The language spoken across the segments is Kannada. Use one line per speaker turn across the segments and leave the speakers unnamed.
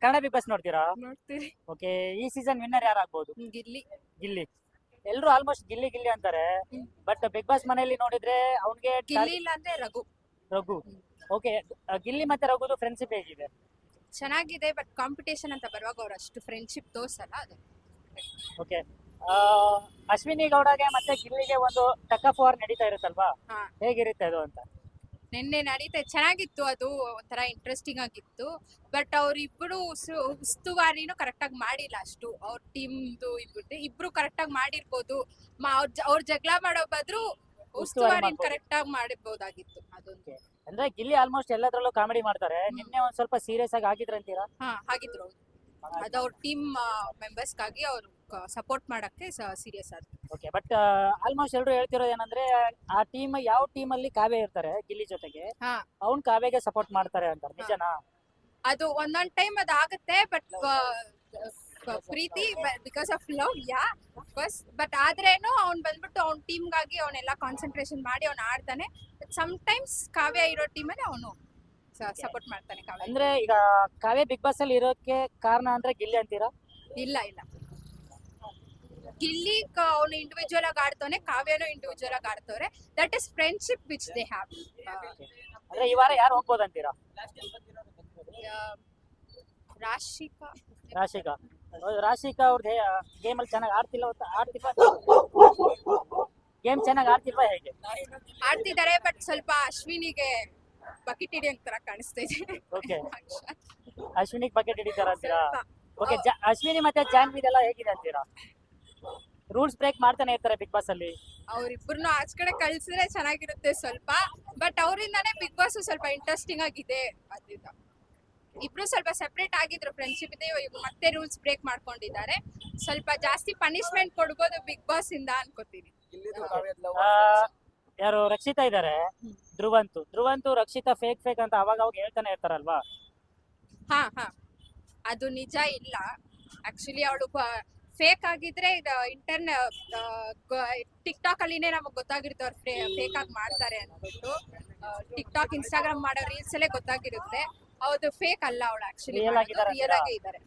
ಕನ್ನಡ ಬಿಗ್ ಬಾಸ್ ನೋಡ್ತೀರಾ?
ನೋಡ್ತೀರಿ.
ಓಕೆ, ಈ ಸೀಸನ್ ವಿನ್ನರ್ ಯಾರಾಗ್ಬೋದು?
ಗಿಲ್ಲಿ.
ಗಿಲ್ಲಿ. ಎಲ್ರು ಆಲ್ಮೋಸ್ಟ್ ಗಿಲ್ಲಿ ಗಿಲ್ಲಿ ಅಂತಾರೆ. ಬಟ್ ಬಿಗ್ ಬಾಸ್ ಮನೆಯಲ್ಲಿ ನೋಡಿದ್ರೆ ಅವ್ನಿಗೆ
ಗಿಲ್ಲಿ ಇಲ್ಲ ಅಂದ್ರೆ ರಘು.
ರಘು. ಓಕೆ, ಗಿಲ್ಲಿ ಮತ್ತೆ ರಘುದು ಫ್ರೆಂಡ್ಶಿಪ್ ಹೇಗಿದೆ?
ಚೆನ್ನಾಗಿದೆ, ಬಟ್ ಕಾಂಪಿಟೇಷನ್ ಅಂತ ಬರುವಾಗ ಅವ್ರು ಅಷ್ಟು ಫ್ರೆಂಡ್ಶಿಪ್ ತೋರ್ಸಲ್ಲ. ಅದು
ಓಕೆ, ಅಶ್ವಿನಿ ಗೌಡಗೆ ಮತ್ತೆ ಗಿಲ್ಲಿಗೆ ಒಂದು ಟಕ್ ಆಫ್ ವಾರ್ ನಡೀತಾ ಇರುತ್ತಲ್ವಾ?
ಹಾ.
ಹೇಗಿರುತ್ತೆ ಅದು ಅಂತ?
ನಿನ್ನೆ ನಡೀತಾ ಚೆನ್ನಾಗಿತ್ತು, ಅದು ಒಂಥರ ಇಂಟ್ರೆಸ್ಟಿಂಗ್ ಆಗಿತ್ತು. ಬಟ್ ಅವ್ರಿಬ್ರು ಉಸ್ತುವಾರಿನೂ ಕರೆಕ್ಟ್ ಆಗಿ ಮಾಡಿಲ್ಲ ಅಷ್ಟು. ಅವ್ರ ಟೀಮ್ದು ಇಬ್ರು ಕರೆಕ್ಟ್ ಆಗಿ ಮಾಡಿರ್ಬೋದು. ಅವ್ರ ಜಗಳ ಮಾಡೋ ಬದ್ರು ಉಸ್ತುವಾರಿ ಕರೆಕ್ಟ್ ಆಗಿ ಮಾಡಿರ್ಬೋದಾಗಿತ್ತು. ಅದೊಂದು.
ಅಂದ್ರೆ ಗಿಲ್ಲಿ ಆಲ್ಮೋಸ್ಟ್ ಎಲ್ಲದ್ರಲ್ಲೂ ಕಾಮಿಡಿ ಮಾಡ್ತಾರೆ. ನಿನ್ನೆ ಒಂದ್ ಸ್ವಲ್ಪ ಸೀರಿಯಸ್ ಆಗಿ ಆಗಿದ್ರಂತೀರಾ?
ಹಾ, ಹಾಗಿದ್ರು ಅವ್ರು. ಅದು ಅವ್ರ ಟೀಮ್ ಮೆಂಬರ್ಸ್ಗಾಗಿ ಅವ್ರು ಸಪೋರ್ಟ್ ಮಾಡಕ್ಕೆ ಸೀರಿಯಸ್ ಆದ್ರು.
ಓಕೆ, ಬಟ್ ಆಲ್ಮೋಸ್ಟ್ ಎಲ್ರು ಹೇಳ್ತಿರೋದು ಏನಂದ್ರೆ ಆ ಯಾವ ಟೀಮ್ ಅಲ್ಲಿ ಕಾವ್ಯ ಇರ್ತಾರೆ ಗಿಲ್ಲಿ ಜೊತೆಗೆ,
ಹಾ,
ಅವ್ನ್ ಕಾವ್ಯಗೆ ಸಪೋರ್ಟ್ ಮಾಡ್ತಾರೆ ಅಂತ ನಿಜನಾ?
ಅದು ಒಂದೊಂದ್ ಟೈಮ್ ಅದಾಗತ್ತೆ. ಬಟ್ ಪ್ರೀತಿ ಬಿಕಾಸ್ ಆಫ್ ಲವ್, ಬಟ್ ಆದ್ರೇನು ಅವ್ನ್ ಬಂದ್ಬಿಟ್ಟು ಅವ್ನ ಟೀಮ್ಗಾಗಿ ಅವನೆಲ್ಲ ಕಾನ್ಸಂಟ್ರೇಷನ್ ಮಾಡಿ ಅವ್ನ ಆಡ್ತಾನೆ. ಸಮ್ ಟೈಮ್ಸ್ ಕಾವ್ಯ ಇರೋ ಟೀಮಲ್ಲಿ ಅವನು ಸಪೋರ್ಟ್ ಮಾಡ್ತಾನೆ ಕಾವ್ಯ.
ಅಂದ್ರೆ ಈಗ ಕಾವ್ಯ ಬಿಗ್ ಬಾಸ್ ಅಲ್ಲಿ ಇರೋಕೆ ಕಾರಣ ಅಂದ್ರೆ ಗಿಲ್ಲಿ ಅಂತೀರಾ?
ಇಲ್ಲ, ಗಿಲ್ಲಿ ಅವನು ಇಂಡಿವಿಜುವಲ್ ಆಗಿ ಆಡ್ತಾನೆ, ಕಾವ್ಯನು ಇಂಡಿವಿಜುವಲ್ ಆಗಿ ಆಡ್ತವ್ರೆ. That is friendship which they have.
ಅಂದ್ರೆ ಈ ವಾರ ಯಾರು ಹೋಗ್ಬೋದಂತೀರಾ?
ರಾಶಿಕಾ.
ರಾಶಿಕಾ ಅವ್ರದ್ದು ಗೇಮ್ ಅಲ್ಲಿ ಚೆನ್ನಾಗಿ ಗೇಮ್ ಚೆನ್ನಾಗಿ ಆಡ್ತಿಲ್ವಾ ಹೇಗೆ?
ಆಡ್ತಿದ್ದಾರೆ, ಬಟ್ ಸ್ವಲ್ಪ ಅಶ್ವಿನಿಗೆ ಬಕೆಟ್ ಹಿಡಿಯಂಗ್ ತರ ಕಾಣಿಸ್ತಾ ಇದೆ.
ಓಕೆ, ಅಶ್ವಿನಿಗೆ ಬಕೆಟ್ ಹಿಡಿತಾರ ಅಂತೀರಾ? ಓಕೆ, ಅಶ್ವಿನಿ ಮತ್ತೆ ಜಾನ್ವಿದೆಲ್ಲ ಹೇಗಿದೆ ಅಂತೀರಾ? ರೂಲ್ಸ್ ಬ್ರೇಕ್ ಮಾಡ್ತಾನೆ ಇರ್ತಾರೆ ಬಿಗ್ ಬಾಸ್ ಅಲ್ಲಿ.
ಅವ್ರಿಬ್ರು ಆಚ ಕಡೆ ಕಳ್ಸಿದ್ರೆ ಚೆನ್ನಾಗಿರುತ್ತೆ ಸ್ವಲ್ಪ. ಬಟ್ ಅವರಿಂದಾನೇ ಬಿಗ್ ಬಾಸ್ ಸ್ವಲ್ಪ ಇಂಟ್ರೆಸ್ಟಿಂಗ್ ಆಗಿದೆ. ಅದ್ರಿಂದ ಇಬ್ರು ಸ್ವಲ್ಪ ಸೆಪರೇಟ್ ಆಗಿದ್ರು, ಫ್ರೆಂಡ್ಶಿಪ್ ಇದೆ. ಇವಾಗ ಮತ್ತೆ ರೂಲ್ಸ್ ಬ್ರೇಕ್ ಮಾಡ್ಕೊಂಡಿದ್ದಾರೆ. ಸ್ವಲ್ಪ ಜಾಸ್ತಿ ಪನಿಷ್ಮೆಂಟ್ ಕೊಡ್ಬೋದು ಬಿಗ್ ಬಾಸ್ ಇಂದ ಅನ್ಕೋತೀನಿ.
ಯಾರು ರಕ್ಷಿತಾ ಇದಾರೆ, ಧ್ರುವಂತು ರಕ್ಷಿತಾ ಫೇಕ್ ಅಂತ ಅವಾಗ ಹೇಳ್ತಾನೆ ಇರ್ತಾರಲ್ವಾ?
ಹಾ, ಅದು ನಿಜ ಇಲ್ಲ. ಆಕ್ಚುಲಿ ಅವಳು ಫೇಕ್ ಆಗಿದ್ರೆ ಟಿಕ್ ಟಾಕ್ ಅಲ್ಲಿನೇ ನಮಗ್ ಗೊತ್ತಾಗಿರುತ್ತೆ ಅವ್ರು ಫೇಕ್ ಆಗಿ ಮಾಡ್ತಾರೆ ಅಂದ್ಬಿಟ್ಟು. ಟಿಕ್ ಟಾಕ್, ಇನ್ಸ್ಟಾಗ್ರಾಮ್ ಮಾಡೋ ರೀಲ್ಸ್ ಅಲ್ಲೇ ಗೊತ್ತಾಗಿರುತ್ತೆ. ಹೌದು, ಫೇಕ್ ಅಲ್ಲ ಅವಳು, ಆಕ್ಚುಲಿ
ರಿಯಲ್ ಆಗೇ
ಇದ್ದಾರೆ.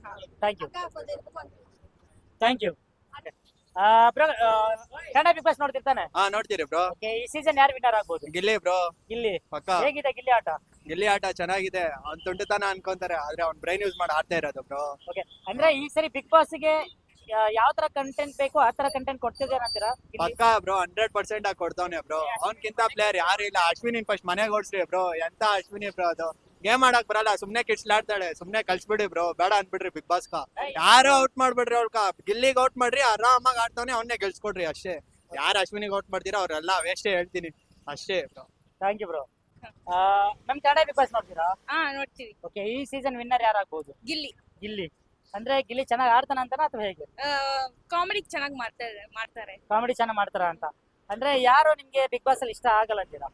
Thank you. Bro, Kannada Bigg Boss ನೋಡ್ತಿರ್ತಾನೆ?
ನೋಡ್ತೀರಿ ಬ್ರೋ.
ಓಕೆ, ಈ ಸೀಸನ್ ಯಾರು ವಿನ್ನರ್ ಆಗ್ಬೋದು?
ಗಿಲ್ಲಿ ಬ್ರೋ.
ಗಿಲ್ಲಿ.
ಪಕ್ಕ.
ಹೇಗಿದೆ ಗಿಲ್ಲಿ ಆಟ?
ಗಿಲ್ಲಿ ಆಟ ಚೆನ್ನಾಗಿದೆ. ಅವ್ನ್ ತುಂಟತನ ಅನ್ಕೊಂತಾರೆ, ಆದ್ರೆ ಅವ್ನ್ ಬ್ರೈನ್ ಯೂಸ್ ಮಾಡಿ ಆಡ್ತಾ ಇರೋದು ಬ್ರೋ.
ಓಕೆ, ಅಂದ್ರೆ ಈ ಸರಿ ಬಿಗ್ ಬಾಸ್ ಗೆ ಯಾವ ತರ ಕಂಟೆಂಟ್ ಬೇಕು ಆ ತರ ಕಂಟೆಂಟ್ ಕೊಡ್ತಿದ್ದೇನೆ ಅಂತೀರಾ?
ಪಕ್ಕ ಬ್ರೋ, 100% ಆಗಿ ಕೊಡ್ತಾವ್ನೆ ಬ್ರೋ. ಅವ್ನ್ಕಿಂತ ಪ್ಲೇಯರ್ ಯಾರು ಇಲ್ಲ. ಅಶ್ವಿನಿ ಫಸ್ಟ್ ಮನೆಗೆ ಓಡಿಸ್ರಿ ಬ್ರೋ. ಎಂತ ಅಶ್ವಿನಿ ಬ್ರೋ ಅದು. ಗೇಮ್ ಆಡಕ್ ಬರಲ್ಲ, ಸುಮ್ನೆ ಕಿಡ್ಸ್ಲಾಡ್ತಾಳೆ. ಸುಮ್ನೆ ಕಳ್ಸ್ಬಿಡಿ ಬ್ರೋ, ಬೇಡ ಅನ್ಬಿಡ್ರಿ ಬಿಗ್ ಬಾಸ್ ಯಾರು ಔಟ್ ಮಾಡ್ಬಿಡ್ರಿ. ಅವ್ಕ ಗಿಲ್ಲಿಗೆ ಔಟ್ ಮಾಡ್ರಿ, ಆರಾಮಾಗಿ ಆಡ್ತಾವ್ನೆ, ಅವನ್ನೇ ಗೆಲ್ಸ್ಕೊಡ್ರಿ ಅಷ್ಟೇ. ಯಾರು ಅಶ್ವಿನಿಗೆ ಔಟ್ ಮಾಡ್ತೀರಾ ಅವ್ರೆಲ್ಲ ವೇಸ್ಟೇ, ಹೇಳ್ತೀನಿ ಅಷ್ಟೇ ಬ್ರೋ.
Thank you bro. ನಮ್ ಕನ್ನಡ ಬಿಗ್ ಬಾಸ್ ನೋಡ್ತೀರಾ?
ನೋಡ್ತೀವಿ.
ಓಕೆ, ಈ ಸೀಸನ್ ವಿನ್ನರ್ ಯಾರಾಗ್ಬೋದು? ಗಿಲ್ಲಿ. ಅಂದ್ರೆ ಗಿಲ್ಲಿ ಚೆನ್ನಾಗಿ ಆಡ್ತಾನ ಅಂತಾನ ಅಥವಾ ಹೇಗೆ?
ಕಾಮಿಡಿ ಚೆನ್ನಾಗಿ ಮಾಡ್ತಾರೆ.
ಕಾಮಿಡಿ ಚೆನ್ನಾಗಿ ಮಾಡ್ತಾರ ಅಂತ. ಅಂದ್ರೆ ಯಾರು ನಿಮ್ಗೆ ಬಿಗ್ ಬಾಸ್ ಅಲ್ಲಿ ಇಷ್ಟ ಆಗಲ್ಲ ಅಂತೀರಾ?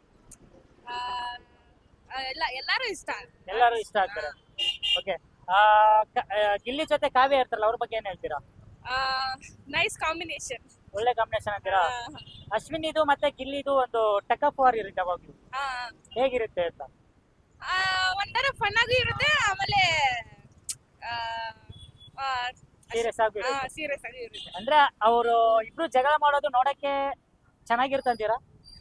ಎಲ್ಲಾರು ಇಷ್ಟ.
ಎಲ್ಲರೂ ಇಷ್ಟ ಆಗ್ತಾರೆ. ಓಕೆ, ಗಿಲ್ಲಿ ಜೊತೆ ಕಾವ್ಯ ಇರ್ತಾರಲ್ಲ, ಅವ್ರ ಬಗ್ಗೆ ಏನ್ ಹೇಳ್ತೀರಾ?
Nice combination.
ಒಳ್ಳೆ ಕಾಂಬಿನೇಷನ್ ಅಂತೀರಾ? ಅಶ್ವಿನಿದು ಮತ್ತೆ ಗಿಲ್ಲಿದು ಒಂದು ಟಕ್ ಆಫ್ ವಾರ್ ಇರುತ್ತೆ ಯಾವಾಗ್ಲೂ, ಹೇಗಿರುತ್ತೆ ಅಂತ?
ಒಂಥರ ಫನ್ ಆಗಿ ಇರುತ್ತೆ, ಆಮೇಲೆ
ಸೀರಿಯಸ್ ಆಗಿ
ಇರುತ್ತೆ.
ಅಂದ್ರೆ ಅವರು ಇಬ್ರು ಜಗಳ ಮಾಡೋದು ನೋಡಕ್ಕೆ ಚೆನ್ನಾಗಿರುತ್ತಂತೀರಾ?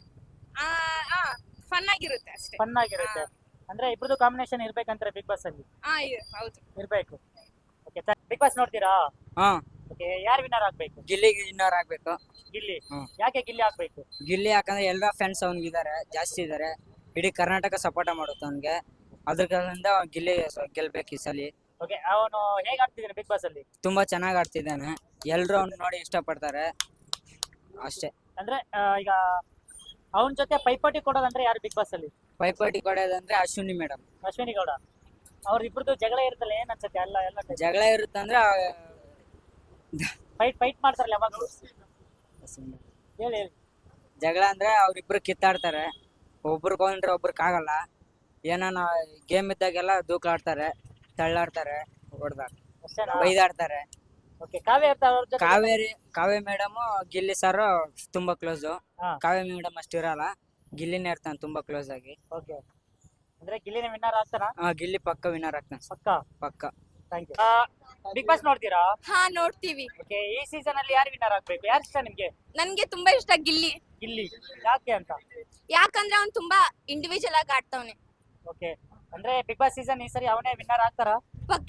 ಫನ್ ಆಗಿರುತ್ತೆ ಅಷ್ಟೇ.
ಫನ್ ಆಗಿರುತ್ತೆ. ಅಂದ್ರೆ ಇಬ್ರದ್ದು ಕಾಂಬಿನೇಷನ್ ಇರ್ಬೇಕಂತಾರೆ ಬಿಗ್ ಬಾಸ್ ಅಲ್ಲಿ?
ಹೌದು,
ಇರ್ಬೇಕು. ಓಕೆ, ಬಿಗ್ ಬಾಸ್ ನೋಡ್ತೀರಾ? ಓಕೆ, ಯಾರು ವಿನ್ನರ್ ಆಗ್ಬೇಕು?
ಗಿಲ್ಲಿ ವಿನ್ನರ್ ಆಗ್ಬೇಕು.
ಗಿಲ್ಲಿ. ಯಾಕೆ ಗಿಲ್ಲಿ ಆಗ್ಬೇಕು?
ಗಿಲ್ಲಿ ಯಾಕಂದ್ರೆ ಎಲ್ಲಾ ಫ್ರೆಂಡ್ಸ್ ಅವ್ನಿಗಿದ್ದಾರೆ, ಜಾಸ್ತಿ ಇದಾರೆ. ಇಡೀ ಕರ್ನಾಟಕ ಸಪೋರ್ಟ್ ಮಾಡುತ್ತೆ ಅವ್ನಿಗೆ. ಅದರಿಂದ ಗಿಲ್ಲಿ ಗೆಲ್ಬೇಕು ಈ ಸಲ.
ಓಕೆ, ಅವನು ಹೇಗೆ ಆಡ್ತಿದ್ದಾನೆ ಬಿಗ್ ಬಾಸ್ ಅಲ್ಲಿ?
ತುಂಬಾ ಚೆನ್ನಾಗಿ ಆಡ್ತಿದ್ದಾನೆ. ಎಲ್ರು ಅವ್ನ ನೋಡಿ ಇಷ್ಟಪಡ್ತಾರೆ ಅಷ್ಟೇ.
ಅಂದ್ರೆ ಈಗ ಅವನ ಜೊತೆ ಪೈಪೋಟಿ ಕೊಡೋದಂದ್ರೆ ಯಾರು ಬಿಗ್ ಬಾಸ್ ಅಲ್ಲಿ?
ಪೈಪೋಟಿ ಕೊಡೋದಂದ್ರೆ ಅಶ್ವಿನಿ ಮೇಡಮ್.
ಅಶ್ವಿನಿ ಗೌಡ. ಅವ್ರಿಬ್ರದ್ದು ಜಗಳ ಇರುತ್ತಲ್ಲ, ಏನ್ ಅನ್ಸುತ್ತೆ? ಎಲ್ಲ
ಜಗಳ ಇರುತ್ತಂದ್ರೆ
ಫೈಟ್ ಮಾಡ್ತಾರಲ್ಲ ಯಾವಾಗಲೂ? ಹೇಳಿ.
ಜಗಳ ಅಂದ್ರೆ ಅವ್ರಿಬ್ರು ಕಿತ್ತಾಡ್ತಾರೆ. ಒಬ್ರಿಗೊಂಡ್ರೆ ಒಬ್ರಿಗಾಗಲ್ಲ. ಏನಾನ ಗೇಮ್ ಇದ್ದಾಗೆಲ್ಲ ದೂಕ್ಲಾಡ್ತಾರೆ, ತಳ್ಳಾಡ್ತಾರೆ, ಹೊಡ್ದಾಗ ಬೈದಾಡ್ತಾರೆ.
Okay, Kavya
Kavya madam Gilli sir ತುಂಬಾ ಕ್ಲೋಸ್. ಕಾವ್ಯ ಮೇಡಮ್ ಅಷ್ಟು ಇರಲ್ಲ, ಗಿಲ್ಲಿನೇ ಇರ್ತಾನೆ ತುಂಬಾ ಕ್ಲೋಸ್ ಆಗಿ.
ಓಕೆ, ಅಂದ್ರೆ ಗಿಲ್ಲಿನೇ ವಿನ್ನರ್ ಆಗ್ತಾನ?
ಗಿಲ್ಲಿ ಪಕ್ಕ ವಿನ್ನರ್ ಆಗ್ತಾನೆ.
ಪಕ್ಕ. Thank you. ಬಿಗ್ ಬಾಸ್ ನೋಡ್ತೀರಾ?
ಹಾ ನೋಡ್ತೀವಿ.
ಓಕೆ, ಈ ಸೀಸನ್ ಅಲ್ಲಿ ಯಾರು ವಿನ್ನರ್ ಆಗ್ಬೇಕು? ಯಾರು ಇಷ್ಟ ನಿಮ್ಗೆ?
ನನ್ಗೆ ತುಂಬಾ ಇಷ್ಟ ಗಿಲ್ಲಿ.
ಗಿಲ್ಲಿ ಯಾಕೆ ಅಂತ?
ಯಾಕಂದ್ರೆ ಅವ್ನ್ ತುಂಬಾ ಇಂಡಿವಿಜುವಲ್ ಆಗಿ ಆಡ್ತಾವ್ನೆ.
ಓಕೆ, ಅಂದ್ರೆ ಬಿಗ್ ಬಾಸ್ ಸೀಸನ್ ಈ ಸರಿ ಅವನೇ ವಿನ್ನರ್ ಆಗ್ತಾರಾ?
ಪಕ್ಕ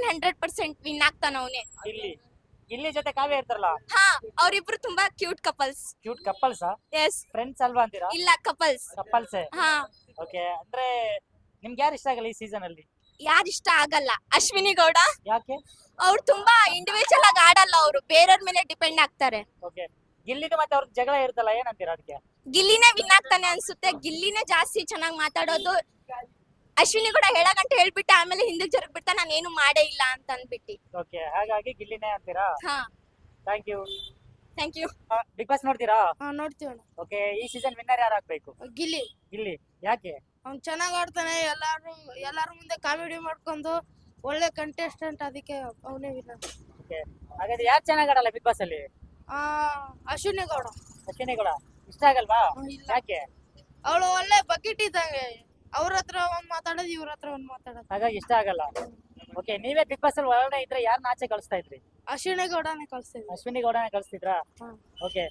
100% ವಿನ್ ಆಗ್ತಾನ ಅವನೇ.
ಗಿಲ್ಲಿ ಗಿಲ್ಲಿ ಜೊತೆ ಕಾವ್ಯ ಇರ್ತಾರಲ್ಲ,
ಹಾ, ಅವ್ರಿಬ್ರು ತುಂಬಾ ಕ್ಯೂಟ್ ಕಪಲ್ಸ್.
ಕ್ಯೂಟ್ ಕಪ್ಪಲ್ಸಾ?
ಎಸ್.
ಫ್ರೆಂಡ್ಸ್ ಅಲ್ವಾ ಅಂತೀರಾ?
ಇಲ್ಲ, ಕಪಲ್ಸ್.
ಕಪ್ಪಲ್ಸೇ.
ಹಾ.
ಓಕೆ, ಅಂದ್ರೆ ನಿಮ್ಗೆ ಯಾರು ಇಷ್ಟ ಆಗಲ್ಲ ಈ ಸೀಸನ್ ಅಲ್ಲಿ?
ಯಾರ್ ಇಷ್ಟ ಆಗಲ್ಲ? ಅಶ್ವಿನಿ ಗೌಡ.
ಯಾಕೆ?
ಅವ್ರು ತುಂಬಾ ಇಂಡಿವಿಜುವಲ್ ಆಗಿ ಆಡಲ್ಲ, ಅವರು ಬೇರೆಯವ್ರ ಮೇಲೆ ಡಿಪೆಂಡ್ ಆಗ್ತಾರೆ.
ಓಕೆ, ಗಿಲ್ಲಿದು ಮತ್ತೆ ಅವ್ರ ಜಗಳ ಇರುತ್ತಲ್ಲ, ಏನಂತೀರಾ ಅದಕ್ಕೆ?
ಗಿಲ್ಲಿನೇ ವಿನ್ ಆಗ್ತಾನೆ ಅನ್ಸುತ್ತೆ. ಗಿಲ್ಲಿನೇ ಜಾಸ್ತಿ ಚೆನ್ನಾಗಿ ಮಾತಾಡೋದು. ಅಶ್ವಿನಿ ಕೂಡ ಹೇಳಗಂಟ ಹೇಳ್ಬಿಟ್ಟು ಆಮೇಲೆ ಹಿಂದಕ್ಕೆ ಜರುಗ್ ಬಿಡ್ತಾ ನಾನು ಏನು ಮಾಡೇ ಇಲ್ಲ ಅಂತ ಅಂದ್ಬಿಟ್ಟು.
ಓಕೆ, ಹಾಗಾಗಿ ಗಿಲ್ಲಿನೇ ಅಂತೀರಾ?
ಹಾ,
thank you.
Thank you.
Bigg Boss ನೋಡ್ತೀರಾ?
ನೋಡ್ತೀವಿ ಅಣ್ಣ.
ಓಕೆ, ಈ ಸೀಸನ್ ವಿನ್ನರ್ ಯಾರು ಆಗ್ಬೇಕು?
ಗಿಲ್ಲಿ
ಗಿಲ್ಲಿ ಯಾಕೆ?
ಅವ್ನ್ ಚೆನ್ನಾಗ್ ಆಡ್ತಾನೆ. ಎಲ್ಲಾರ ಮುಂದೆ ಕಾಮಿಡಿ ಮಾಡ್ಕೊಂಡು ಒಳ್ಳೆ ಕಂಟೆಸ್ಟೆಂಟ್, ಅದಕ್ಕೆ ಅವನೇ ವಿನ್ನರ್.
ಓಕೆ, ಹಾಗಾದ್ರೆ ಯಾರು ಚೆನ್ನಾಗ್ ಆಡಲ್ಲ ಬಿಗ್ ಬಾಸ್ ಅಲ್ಲಿ?
ಅಶ್ವಿನಿ ಗೌಡ.
ಅಶ್ವಿನಿ ಕೂಡ ಇಷ್ಟ ಆಗಲ್ವಾ?
ಇಲ್ಲ,
ಯಾಕೆ?
ಅವಳು ಒಳ್ಳೆ ಬಕೆಟ್ ಇದ್ದಂಗೆ. ಅವ್ರ ಹತ್ರ ಒಂದ್ ಮಾತಾಡೋದು, ಇವ್ರ ಹತ್ರ ಒಂದ್ ಮಾತಾಡೋದು.
ಹಾಗಾಗಿ ಇಷ್ಟ ಆಗಲ್ಲ. ಓಕೆ, ನೀವೇ ಬಿಗ್ ಬಾಸ್ ಅಲ್ಲಿ ಒಳಗಡೆ ಇದ್ರೆ ಯಾರನ್ನ ಆಚೆ ಕಳಿಸ್ತಾ ಇದ್ರಿ?
ಅಶ್ವಿನಿ ಗೌಡನೇ ಕಳ್ಸ್ತೀವಿ.
ಅಶ್ವಿನಿ ಗೌಡನೇ ಕಳಿಸ್ತಿದ್ರಾ?
ಹ್ಮ್.
ಓಕೆ,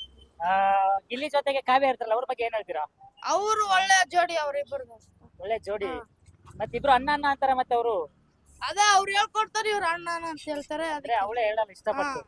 ಗಿಲ್ಲಿ ಜೊತೆಗೆ ಕಾವ್ಯ ಇರ್ತಾರಲ್ಲ, ಅವ್ರ ಬಗ್ಗೆ ಏನ್ ಹೇಳ್ತೀರಾ?
ಅವ್ರು ಒಳ್ಳೆ ಜೋಡಿ, ಅವ್ರಿಬ್ಬರು.
ಒಳ್ಳೆ ಜೋಡಿ.
ಹಾ.
ಮತ್ತಿಬ್ರು ಅಣ್ಣ ಅಣ್ಣ ಅಂತಾರೆ, ಮತ್ತೆ ಅವರು
ಅದೇ ಅವ್ರು ಹೇಳ್ಕೊಡ್ತಾರೆ, ಇವ್ರು ಅಣ್ಣನ ಅಂತ ಹೇಳ್ತಾರೆ.
ಅಂದ್ರೆ ಅವಳೇ ಹೇಳಲ್ಲ ಇಷ್ಟಪಟ್ಟು.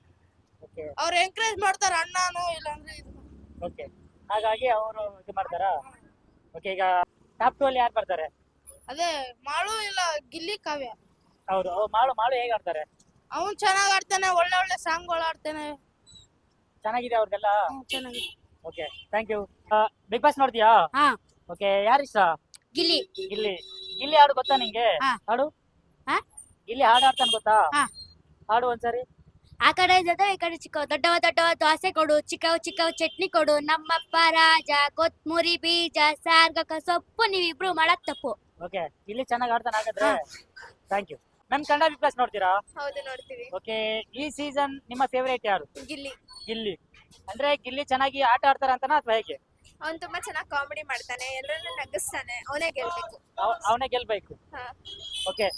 ಓಕೆ
ಅವ್ರು ಎಂಕರೇಜ್ ಮಾಡ್ತಾರೆ, ಅಣ್ಣನು ಇಲ್ಲಾಂದ್ರೆ ಇದು.
ಓಕೆ, ಹಾಗಾಗಿ ಅವರು ಇದು ಮಾಡ್ತಾರಾ? ಓಕೆ, ಈಗ ಟಾಪ್ 2 ಅಲ್ಲಿ ಯಾರು ಬರ್ತಾರೆ?
ಅದೇ ಮಾಳು ಇಲ್ಲ ಗಿಲ್ಲಿ ಕಾವ್ಯ.
ಅವರು ಮಾಳು ಮಾಳು ಹೇಗೆ ಆಡ್ತಾರೆ?
ಅವ್ನು ಚೆನ್ನಾಗ್ ಆಡ್ತಾನೆ, ಒಳ್ಳೆ ಒಳ್ಳೆ ಸಾಂಗ್ಗಳು ಆಡ್ತಾನೆ.
ಚೆನ್ನಾಗಿದೆ ಅವ್ರಿಗೆಲ್ಲ.
ಚೆನ್ನಾಗಿದೆ.
Okay, thank you. Bigg Boss ನೋಡ್ತೀಯಾ?
ಹಾ.
ಓಕೆ, ಯಾರು ಇಷ್ಟ?
ಗಿಲ್ಲಿ.
ಗಿಲ್ಲಿ. ಗಿಲ್ಲಿ ಹಾಡು ಗೊತ್ತಾ ನಿಂಗೆ?
ಹಾ.
ಹಾಡು?
ಹಾ?
ಗಿಲ್ಲಿ ಹಾಡು ಆಡ್ತಾನೆ ಗೊತ್ತಾ?
ಹಾ.
ಹಾಡು ಒಂದ್ಸರಿ.
ಆ ಕಡೆ ದೊಡ್ಡ, ಈ ಕಡೆ ಚಿಕ್ಕ, ದೊಡ್ಡವ ದೊಡ್ಡವ ದೋಸೆ ಕೊಡು, ಚಿಕ್ಕವ ಚಿಕ್ಕವ ಚಟ್ನಿ ಕೊಡು, ನಮ್ಮಪ್ಪ ರಾಜ ಕೊತ್ಮುರಿ ಬೀಜ ಸಾರ್ಗಕ ಸೊಪ್ಪು, ನೀವಿಬ್ರು ಮಾಡಕ್ ತಪ್ಪು.
ಓಕೆ, ಗಿಲ್ಲಿ ಚೆನ್ನಾಗಿ ಆಡ್ತಾನೆ ಹಾಗಾದ್ರೆ. Thank you. ನಮ್ ಕನ್ನಡ ಬಿಗ್ ಬಾಸ್ ನೋಡ್ತೀರಾ?
ಹೌದು, ನೋಡ್ತೀವಿ.
ಓಕೆ, ಈ ಸೀಸನ್ ನಿಮ್ಮ ಫೇವರೇಟ್ ಯಾರು?
ಗಿಲ್ಲಿ.
ಗಿಲ್ಲಿ. ಅಂದ್ರೆ ಗಿಲ್ಲಿ ಚೆನ್ನಾಗಿ ಆಟ ಆಡ್ತಾರ ಅಂತನಾ ಅಥವಾ ಹೇಗೆ?
ಅವ್ನ್ ತುಂಬಾ ಚೆನ್ನಾಗಿ ಕಾಮಿಡಿ ಮಾಡ್ತಾನೆ, ಎಲ್ಲರನ್ನೂ ನಗಿಸ್ತಾನೆ, ಅವನೇ ಗೆಲ್ಬೇಕು.
ಅವನೇ ಗೆಲ್ಬೇಕು.
ಹಾ.
ಓಕೆ,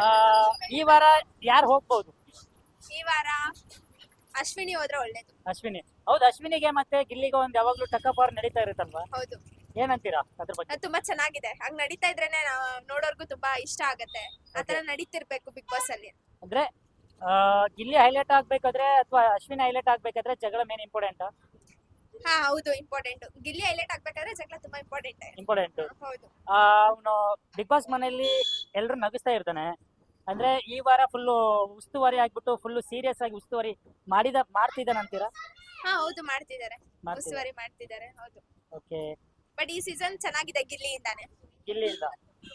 ಈ ವಾರ ಯಾರು ಹೋಗ್ಬೋದು?
ಈ ವಾರ ಅಶ್ವಿನಿ ಹೋದ್ರೆ ಒಳ್ಳೇದು.
ಅಶ್ವಿನಿ. ಹೌದು, ಅಶ್ವಿನಿಗೆ ಮತ್ತೆ ಗಿಲ್ಲಿಗೆ ಒಂದ್ ಯಾವಾಗ್ಲೂ ಟಕ್ಕಪಾರ್ ನಡೀತಾ ಇರುತ್ತಲ್ವಾ?
ಹೌದು,
ಏನಂತೀರಾ ಅದ್ರ ಬಗ್ಗೆ?
ಅದು ತುಂಬಾ ಚೆನ್ನಾಗಿದೆ. ಹಂಗ್ ನಡೀತಾ ಇದ್ರೇನೆ ನೋಡೋರ್ಗು ತುಂಬಾ ಇಷ್ಟ ಆಗತ್ತೆ. ಆತರ ನಡೀತಿರ್ಬೇಕು ಬಿಗ್ ಬಾಸ್ ಅಲ್ಲಿ.
ಅಂದ್ರೆ ಗಿಲ್ಲಿ ಹೈಲೈಟ್ ಆಗ್ಬೇಕಾದ್ರೆ ಅಥವಾ ಅಶ್ವಿನಿ ಹೈಲೈಟ್ ಆಗ್ಬೇಕಾದ್ರೆ ಜಗಳ ಮೇನ್ ಇಂಪಾರ್ಟೆಂಟ್?
ಹಾ, ಹೌದು, ಇಂಪಾರ್ಟೆಂಟ್. ಗಿಲ್ಲಿ ಹೈಲೈಟ್ ಆಗ್ಬೇಕಾದ್ರೆ ಜಗಳ ತುಂಬಾ
ಇಂಪಾರ್ಟೆಂಟ್.
ಹೌದು.
ಅವನು ಬಿಗ್ ಬಾಸ್ ಮನೆಯಲ್ಲಿ ಎಲ್ರು ನಗಿಸ್ತಾ ಇರ್ತಾನೆ. ಅಂದ್ರೆ ಈ ವಾರ ಫುಲ್ ಉಸ್ತುವಾರಿ ಆಗ್ಬಿಟ್ಟು ಫುಲ್ ಸೀರಿಯಸ್ ಆಗಿ ಉಸ್ತುವಾರಿ ಮಾಡ್ತಿದ್ದಾನಂತೀರಾ?
ಹಾ, ಹೌದು, ಮಾಡ್ತಿದ್ದಾರೆ.
ಮಾಡ್ತಿದ್ದಾರೆ.
ಉಸ್ತುವಾರಿ ಮಾಡ್ತಿದ್ದಾರೆ. ಹೌದು.
ಓಕೆ,
ಬಟ್ ಈ ಸೀಸನ್ ಚೆನ್ನಾಗಿದೆ ಗಿಲ್ಲಿಯಿಂದಾನೆ.
ಗಿಲ್ಲಿಯಿಂದ.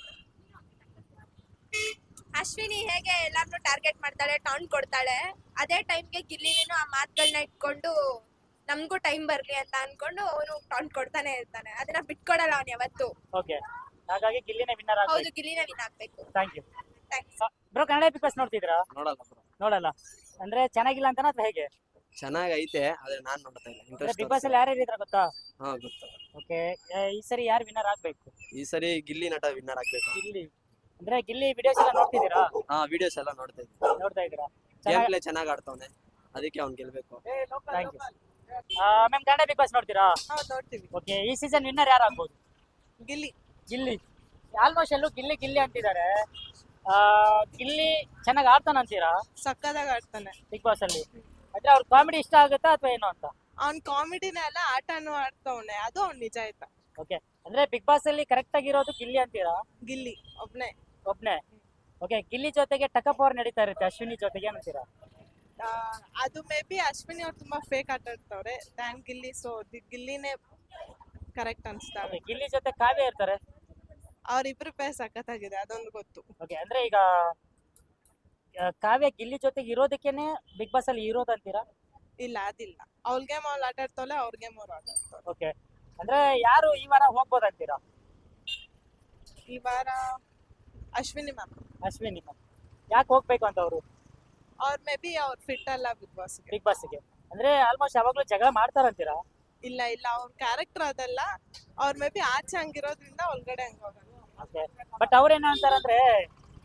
ಅಶ್ವಿನಿ ಹೇಗೆ ಎಲ್ಲಾರ್ನು ಟಾರ್ಗೆಟ್ ಮಾಡ್ತಾಳೆ, ಟಾನ್ ಕೊಡ್ತಾಳೆ, ಅದೇ ಟೈಮ್ಗೆ ಗಿಲ್ಲಿನೂ ಆ ಮಾತುಗಳನ್ನ ಇಟ್ಕೊಂಡು ನಮ್ಗೂ ಟೈಮ್ ಬರ್ಲಿ ಅಂತ ಅನ್ಕೊಂಡು ಅವನು ಟಾನ್ ಕೊಡ್ತಾನೆ ಇರ್ತಾನೆ. ಅದನ್ನ ಬಿಟ್ಕೊಡಲ್ಲ ಅವ್ನು ಯಾವತ್ತು.
ಓಕೆ, ಹಾಗಾಗಿ ಗಿಲ್ಲಿನೇ ವಿನ್ನರ್
ಹೌದು,
ಆಗ್ಬೇಕು.
ಗಿಲ್ಲಿನ ವಿನ್ ಆಗ್ಬೇಕು.
Thank you.
Thanks.
Bro, Kannada Bigg Boss ನೋಡ್ತಿದ್ರಾ?
ನೋಡಲ್ಲ ಬ್ರೋ.
ನೋಡಲ್ಲ ಅಂದ್ರೆ ಚೆನ್ನಾಗಿಲ್ಲ ಅಂತನಾ ಅಥವಾ ಹೇಗೆ?
ಚೆನ್ನಾಗೈತೆ, ಆದ್ರೆ ನಾನ್ ನೋಡ್ತಾ ಇಲ್ಲ.
ಅಂದ್ರೆ ಬಿಗ್ ಬಾಸ್ ಅಲ್ಲಿ ಯಾರ್ಯಾರು ಇದ್ರ ಗೊತ್ತಾ?
ಹಾ, ಗೊತ್ತು.
ಓಕೆ, ಈ ಸರಿ ಯಾರು ವಿನ್ನರ್ ಆಗ್ಬೇಕು?
ಈ ಸರಿ ಗಿಲ್ಲಿ ನಟ ವಿನ್ನರ್ ಆಗ್ಬೇಕು.
ಗಿಲ್ಲಿ. ಅಂದ್ರೆ ಗಿಲ್ಲಿ ವಿಡಿಯೋಸ್ ಎಲ್ಲ ನೋಡ್ತಿದ್ದೀರಾ?
ಹಾ, ವಿಡಿಯೋಸ್ ಎಲ್ಲ ನೋಡ್ತಾ ಇದ್ದೀನಿ.
ನೋಡ್ತಾ ಇದ್ದೀರಾ?
ಗೇಮ್ ಪ್ಲೇ ಚೆನ್ನಾಗ್ ಆಡ್ತಾವನೆ, ಅದಕ್ಕೆ ಅವ್ನ್ ಗೆಲ್ಬೇಕು.
Thank you. Ma'am, Kannada Bigg Boss ನೋಡ್ತೀರಾ?
ನೋಡ್ತೀವಿ.
ಓಕೆ, ಈ ಸೀಸನ್ ವಿನ್ನರ್ ಯಾರು ಆಗ್ಬೋದು?
ಗಿಲ್ಲಿ.
ಗಿಲ್ಲಿ. ಆಲ್ಮೋಸ್ಟ್ ಎಲ್ಲೂ ಗಿಲ್ಲಿ ಗಿಲ್ಲಿ ಅಂತಿದ್ದಾರೆ. ಗಿಲ್ಲಿ ಚೆನ್ನಾಗಿ ಆಡ್ತಾನ ಅಂತೀರಾ
ಸಕ್ಕದಾಗ ಆಡ್ತಾನೆ
ಬಿಗ್ ಬಾಸ್ ಅಲ್ಲಿ? ಅಂದ್ರೆ ಅವ್ರ ಕಾಮಿಡಿ ಇಷ್ಟ ಆಗುತ್ತಾ ಅಥವಾ ಏನು ಅಂತ?
ಅವ್ನ್ ಕಾಮಿಡಿನೇ ಅಲ್ಲ, ಆಟನೂ ಆಡ್ತವನೆ, ಅದು ಅವ್ನ್ ನಿಜ ಆಯ್ತಾ.
ಓಕೆ, ಅಂದ್ರೆ ಬಿಗ್ ಬಾಸ್ ಅಲ್ಲಿ ಕರೆಕ್ಟ್ ಆಗಿರೋದು ಗಿಲ್ಲಿ ಅಂತೀರಾ?
ಗಿಲ್ಲಿ ಒಬ್ನೇ.
ಒಬ್ನೇ. ಓಕೆ, ಗಿಲ್ಲಿ ಜೊತೆಗೆ ಟಕಪವರ್ ನಡೀತಾ ಇರುತ್ತೆ ಅಶ್ವಿನಿ ಜೊತೆಗೆ ಏನಂತೀರಾ?
ಅದು ಮೇ ಬಿ ಅಶ್ವಿನಿ ಅವ್ರು ತುಂಬಾ ಫೇಕ್ ಆಟ ಆಡ್ತವ್ರೆ ದ್ಯಾನ್ ಗಿಲ್ಲಿ, ಸೊ ಗಿಲ್ಲಿನೇ ಕರೆಕ್ಟ್ ಅನ್ಸ್ತಾರೆ.
Okay, ಗಿಲ್ಲಿ ಜೊತೆ ಕಾವ್ಯ ಇರ್ತಾರೆ.
ಅವ್ರಿಬ್ರು ಪೇ ಸಖತ್ತಾಗಿದೆ, ಅದೊಂದು ಗೊತ್ತು.
ಓಕೆ, ಅಂದ್ರೆ ಈಗ ಕಾವ್ಯ ಗಿಲ್ಲಿ ಜೊತೆಗೆ ಇರೋದಕ್ಕೇನೆ ಬಿಗ್ ಬಾಸ್ ಅಲ್ಲಿ ಇರೋದಂತೀರಾ?
ಇಲ್ಲ, ಅದಿಲ್ಲ. ಅವ್ಳ ಗೇಮ್ ಅವ್ಳು ಆಟ ಆಡ್ತಾವಳೆ, ಅವ್ರ ಗೇಮ್ ಅವ್ರು ಆಟ ಆಡ್ತಾವ್ರೆ.
ಓಕೆ, ಅಂದ್ರೆ ಯಾರು ಈ ವಾರ ಹೋಗ್ಬೋದಂತೀರಾ?
ಈ ವಾರ ಅಶ್ವಿನಿ ಮ್ಯಾಮ್.
ಅಶ್ವಿನಿ ಮ್ಯಾಮ್. ಯಾಕೆ ಹೋಗ್ಬೇಕು ಅಂತ ಅವರು?
ಅವ್ರ ಮೇ ಬಿ ಅವ್ರ ಫಿಟ್ ಅಲ್ಲ ಬಿಗ್ ಬಾಸ್.
ಬಿಗ್ ಬಾಸ್ಗೆ ಅಂದ್ರೆ ಆಲ್ಮೋಸ್ಟ್ ಯಾವಾಗ್ಲೂ ಜಗಳ ಮಾಡ್ತಾರಂತೀರಾ?
ಇಲ್ಲ ಇಲ್ಲ, ಅವ್ರ ಕ್ಯಾರೆಕ್ಟರ್ ಅದಲ್ಲ. ಅವ್ರ ಮೇ ಬಿ ಆಚೆ ಹಂಗಿರೋದ್ರಿಂದ ಒಳಗಡೆ ಹಂಗ ಹೋಗಲ್ಲ.
ಓಕೆ, ಬಟ್ ಅವ್ರೇನ ಅಂತಾರಂದ್ರೆ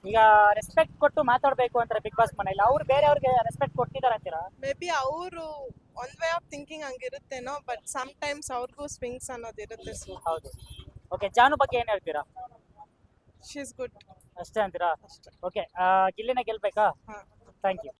ಈಗ ರೆಸ್ಪೆಕ್ಟ್ ಕೊಟ್ಟು ಮಾತಾಡ್ಬೇಕು ಅಂತಾರೆ ಬಿಗ್ ಬಾಸ್ ಮನೇಲಿ, ಅವ್ರು ಬೇರೆಯವ್ರಿಗೆ ರೆಸ್ಪೆಕ್ಟ್ ಕೊಟ್ಟಿದ್ದಾರೆ ಅಂತೀರಾ?
ಮೇ ಬಿ ಅವರು ಒಂದ್ ವೇ ಆಫ್ ಥಿಂಕಿಂಗ್ ಹಂಗಿರುತ್ತೇನೋ, ಬಟ್ ಸಮ್ ಟೈಮ್ಸ್ ಅವ್ರಿಗೂ ಸ್ವಿಂಗ್ಸ್ ಅನ್ನೋದಿರುತ್ತೆ. ಸೊ
ಹೌದು. ಓಕೆ, ಜಾನು ಬಗ್ಗೆ ಏನ್ ಹೇಳ್ತೀರಾ?
ಶಿ ಇಸ್ ಗುಡ್
ಅಷ್ಟೇ ಅಂತೀರಾ?
ಅಷ್ಟೇ.
ಓಕೆ, ಗಿಲ್ಲಿನ ಗೆಲ್ಬೇಕಾ?
ಹಾ.
Thank you.